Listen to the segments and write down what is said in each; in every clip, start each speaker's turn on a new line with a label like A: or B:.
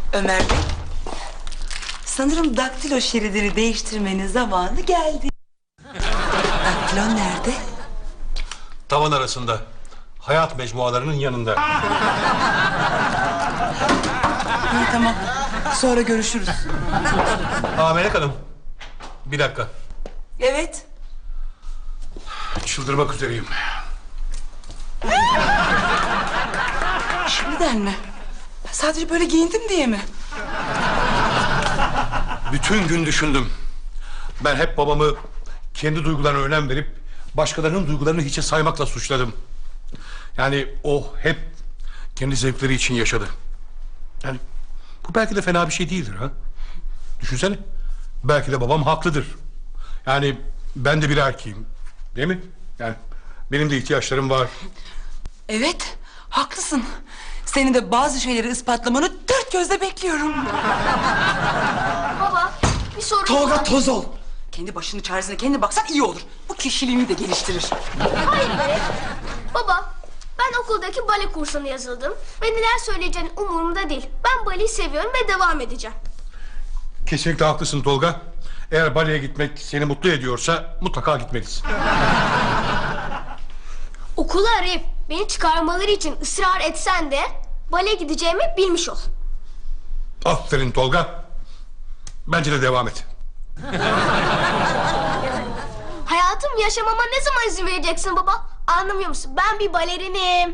A: Ömer Bey, sanırım daktilo şeridini değiştirmenin zamanı geldi. Daktilon nerede?
B: Tavan arasında. Hayat mecmualarının yanında.
A: İyi, tamam. Sonra görüşürüz.
B: Melek Hanım. Bir dakika.
A: Evet.
B: Çıldırmak üzereyim.
A: Şimdiden mi? Sadece böyle giyindim diye mi?
B: Bütün gün düşündüm. Ben hep babamı kendi duygularına önem verip başkalarının duygularını hiçe saymakla suçladım. Yani o hep kendi zevkleri için yaşadı. Yani bu belki de fena bir şey değildir ha. Düşünsene. Belki de babam haklıdır. Yani ben de bir erkeğim. Değil mi? Yani benim de ihtiyaçlarım var.
A: Evet, haklısın. Senin de bazı şeyleri ispatlamanı dört gözle bekliyorum.
C: Baba, bir sorun
A: Tolga,
C: var.
A: toz ol. Kendi başının çaresine kendi baksan iyi olur. Bu kişiliğini de geliştirir.
C: Hayır be. Baba, ben okuldaki bale kursuna yazıldım. Ve neler söyleyeceğin umurumda değil. Ben baleyi seviyorum ve devam edeceğim.
B: Kesinlikle haklısın Tolga. Eğer baleye gitmek seni mutlu ediyorsa mutlaka gitmelisin.
C: Okulu arayıp beni çıkarmaları için ısrar etsen de baleye gideceğimi bilmiş ol.
B: Aferin Tolga. Bence de devam et.
C: Hayatım yaşamama ne zaman izin vereceksin baba? Anlamıyor musun? Ben bir balerinim.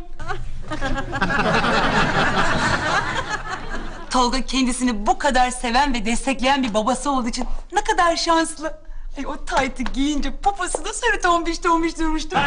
A: Tolga kendisini bu kadar seven ve destekleyen bir babası olduğu için ne kadar şanslı. Ay, o taytı giyince poposu da sarı tombiş durmuştu.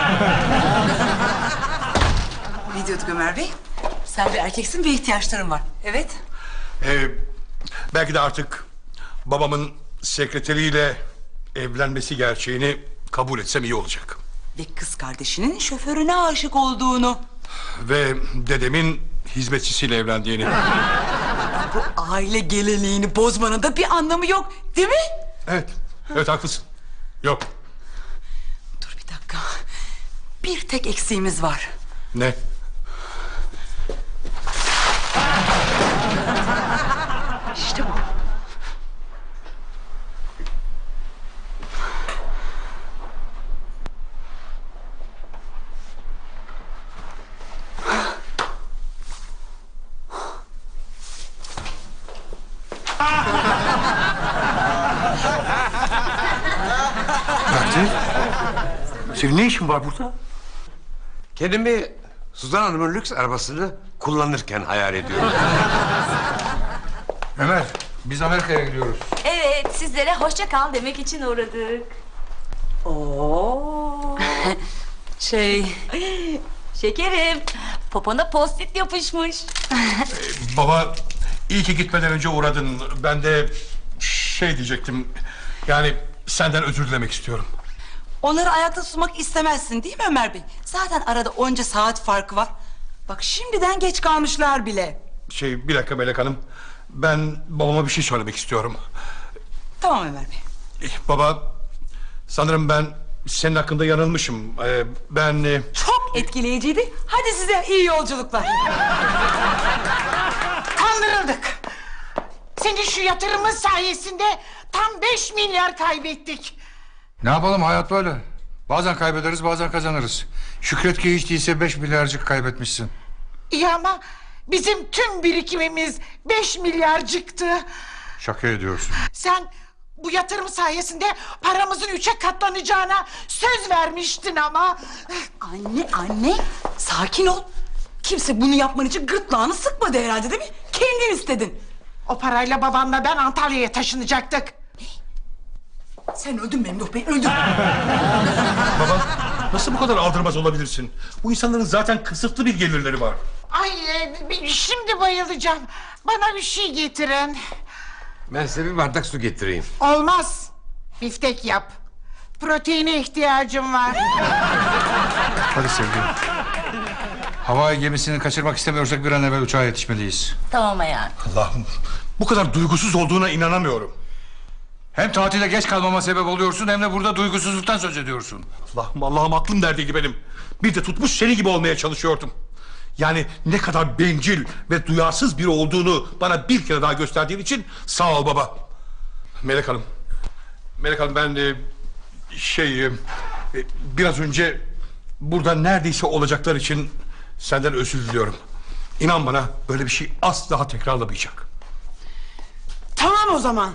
A: Ne diyorduk Ömer Bey? Sen bir erkeksin ve ihtiyaçların var. Evet.
B: Belki de artık babamın sekreteriyle evlenmesi gerçeğini kabul etsem iyi olacak.
A: Ve kız kardeşinin şoförüne aşık olduğunu.
B: Ve dedemin hizmetçisiyle evlendiğini.
A: Bu aile geleneğini bozmanın da bir anlamı yok, değil mi?
B: Evet, evet haklısın. Yok.
A: Dur bir dakika. Bir tek eksiğimiz var.
B: Ne?
A: İşte bu.
B: Senin ne işin var burada?
D: Kendimi Suzan Hanım'ın lüks arabasını kullanırken hayal ediyorum.
B: Ömer, biz Amerika'ya gidiyoruz.
E: Evet, sizlere hoşça kal demek için uğradık. Oo. Şekerim, popona post-it yapışmış.
B: Baba, iyi ki gitmeden önce uğradın. Ben de diyecektim. Yani senden özür dilemek istiyorum.
A: Onları ayakta tutmak istemezsin değil mi Ömer Bey? Zaten arada onca saat farkı var. Bak şimdiden geç kalmışlar bile.
B: Bir dakika Melek Hanım. Ben babama bir şey söylemek istiyorum.
A: Tamam Ömer Bey.
B: Baba, sanırım ben senin hakkında yanılmışım. Ben...
A: Çok etkileyiciydi. Hadi size iyi yolculuklar.
F: Kandırıldık. Senin şu yatırımın sayesinde tam 5 milyar kaybettik.
G: Ne yapalım, hayat böyle. Bazen kaybederiz, bazen kazanırız. Şükret ki hiç değilse 5 milyarcık kaybetmişsin.
F: İyi ama bizim tüm birikimimiz 5 milyarcıktı.
G: Şaka ediyorsun.
F: Sen bu yatırım sayesinde paramızın 3'e katlanacağına söz vermiştin ama.
A: Anne, sakin ol. Kimse bunu yapman için gırtlağını sıkmadı herhalde değil mi? Kendin istedin.
F: O parayla babanla ben Antalya'ya taşınacaktık.
A: Sen öldün Memduh Bey, öldün.
B: Baba, nasıl bu kadar aldırmaz olabilirsin? Bu insanların zaten kısıtlı bir gelirleri var.
F: Ay şimdi bayılacağım. Bana bir şey getirin.
D: Ben size bir bardak su getireyim.
F: Olmaz. Biftek yap. Proteine ihtiyacım var.
G: Hadi sevgilim. Havai gemisini kaçırmak istemiyorsak bir an evvel uçağa yetişmeliyiz.
E: Tamam hayatım.
B: Allah'ım, bu kadar duygusuz olduğuna inanamıyorum.
G: Hem tatilde geç kalmama sebep oluyorsun hem de burada duygusuzluktan söz ediyorsun.
B: Allah'ım aklım neredeydi benim? Bir de tutmuş seni gibi olmaya çalışıyordum. Yani ne kadar bencil ve duyarsız biri olduğunu bana bir kere daha gösterdiğin için sağ ol baba. Melek Hanım. Melek Hanım ben biraz önce burada neredeyse olacaklar için senden özür diliyorum. İnan bana böyle bir şey asla tekrarlamayacak.
F: Tamam o zaman.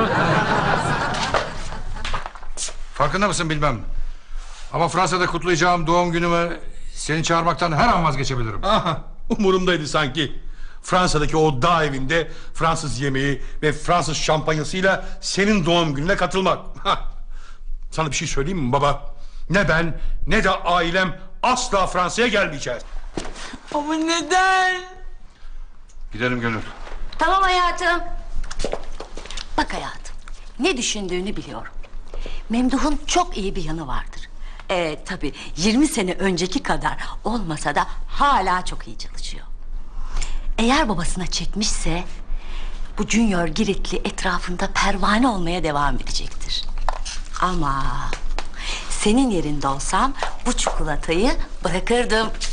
G: Farkında mısın bilmem. Ama Fransa'da kutlayacağım doğum günümü seni çağırmaktan her an vazgeçebilirim.
B: Aha, umurumdaydı sanki. Fransa'daki o dağ evinde Fransız yemeği ve Fransız şampanyasıyla senin doğum gününe katılmak. Hah. Sana bir şey söyleyeyim mi baba? Ne ben ne de ailem asla Fransa'ya gelmeyeceğiz.
A: Ama neden?
G: Gidelim Gönül.
E: Tamam hayatım. Bak hayatım, ne düşündüğünü biliyorum. Memduh'un çok iyi bir yanı vardır. Tabii 20 sene önceki kadar olmasa da hala çok iyi çalışıyor. Eğer babasına çekmişse bu Junior Giritli etrafında pervane olmaya devam edecektir. Ama senin yerinde olsam bu çikolatayı bırakırdım.